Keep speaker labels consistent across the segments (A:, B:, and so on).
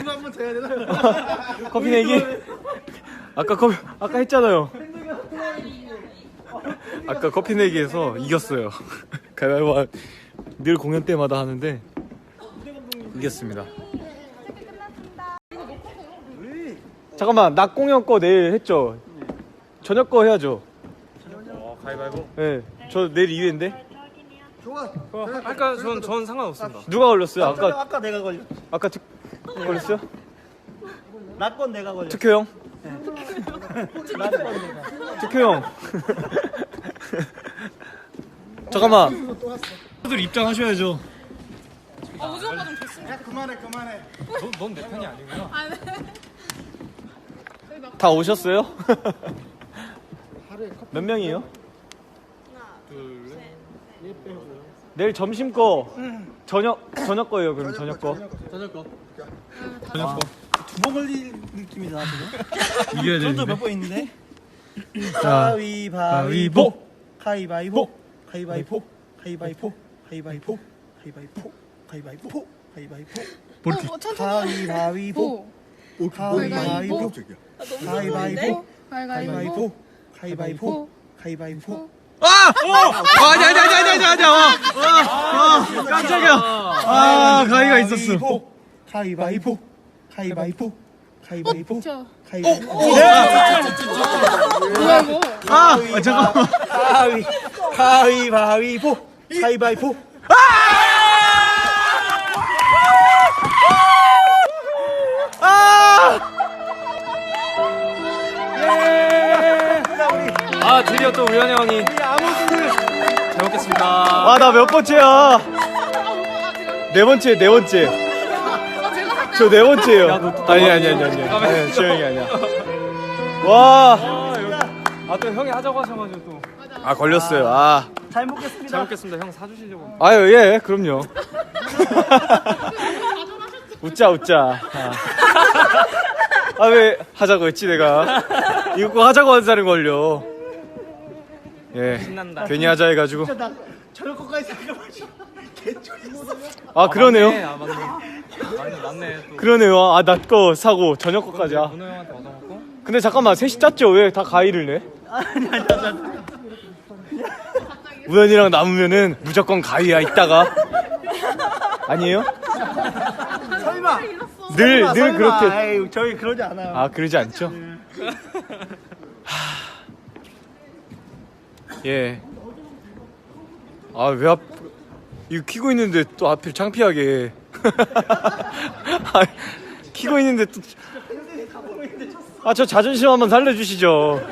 A: 이거 한번 더 해야 되나?
B: 커피 내기. 아까 했잖아요. 아까 커피 내기에서 이겼어요. 가위바위보 늘 공연 때마다 하는데 이겼습니다. 잠깐만, 낮 공연 거 내일 했죠? 저녁 거 해야죠.
C: 가위바위보?
B: 네, 저 내일 2회인데.
A: 좋아.
C: 아까 전 상관없습니다.
B: 누가 걸렸어요?
A: 아까 내가 걸렸.
B: 아까 걸렸어요?
A: 나건 내가 걸렸.
B: 특효 형?
A: 나건 내가.
B: 특효 형. 잠깐만. 들 입장하셔야죠.
D: 우주 오빠 좀 됐으면.
A: 야 그만해.
C: 넌 내 편이 아니구나.
D: 아, 네.
B: 다 오셨어요? 몇 명이에요?
D: 하나,
C: 둘, 셋.
B: 내일 점심 거 저녁 거예요. 그럼 저녁 거.
A: 저녁 거.
B: 저녁 거.
A: 두번 걸릴 느낌이다 지금.
B: 이겨야
A: 저도 몇 번 있는데.
B: 자,
A: 가위바위보. 가위바위보. 가위바위보. 가위바위보. 가위바위보. 가위바위보. 가위바위보. 가위바위보.
D: 천천히.
A: 가위바위보. 가위바위보. 가위바위보. 가위바위보. 가위바위보. 가위바위보.
B: 아니. 깜짝이야. 가위가 있었어.
A: 가위바위보. 가위바위보. 가위바위보.
D: 저.
A: 가위바위보.
D: 뭐야 이거?
B: 잠깐만.
A: 가위바위보. 가위바위보.
C: 드디어 또 우연히 형이 잘 먹겠습니다.
B: 아, 나 몇 번째야? 네 번째. 저 네 번째예요. 아니, 지영이 아니야. 와.
C: 또 형이 하자고 하셔가지고 또.
B: 아, 걸렸어요.
A: 잘 먹겠습니다.
C: 잘 먹겠습니다. 형 사주시려고.
B: 아유, 예, 그럼요. 웃자. 왜 하자고 했지, 내가. 이거 꼭 하자고 한 사람이 걸려. 예.
C: 신난다.
B: 괜히 하자 해가지고.
A: 저녁 거까지 생각하지.
B: 아, 그러네요.
C: 맞네. 또.
B: 그러네요. 나 거 사고, 저녁 거까지.
C: 문호 형한테 얻어먹고.
B: 근데 잠깐만, 셋이 짰죠? 왜 다 가위를 내? 우연이랑 남으면은 무조건 가위야, 이따가. 아니에요?
A: 설마.
B: 늘 그렇게.
A: 에이, 저희 그러지 않아요.
B: 아, 그러지 않죠? 예. 왜 이거 키고 있는데 또 하필 창피하게. 키고 있는데 또. 저 자존심 한번 살려주시죠.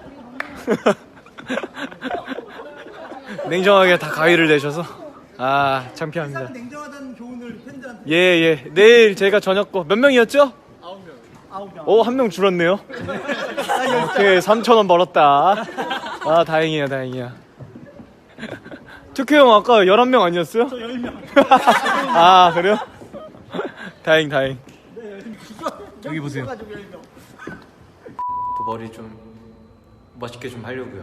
B: 냉정하게 다 가위를 내셔서. 창피합니다.
A: 냉정하다는 교훈을 팬들한테.
B: 예. 내일 제가 저녁 거 몇 명이었죠?
A: 9명.
B: 한 명 줄었네요. 오케이, 3,000원 벌었다. 다행이야. 특효 형 아까 11명 아니었어요?
A: 저 10명.
B: 그래요? 다행. 여기 보세요. 또 머리 좀 멋있게 좀 하려고요.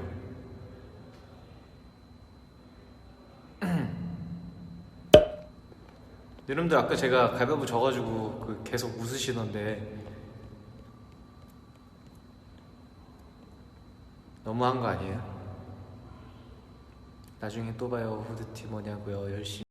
B: 여러분들 아까 제가 가위바위보 져가지고 계속 웃으시던데 너무한 거 아니에요? 나중에 또 봐요. 후드티 뭐냐고요. 열심히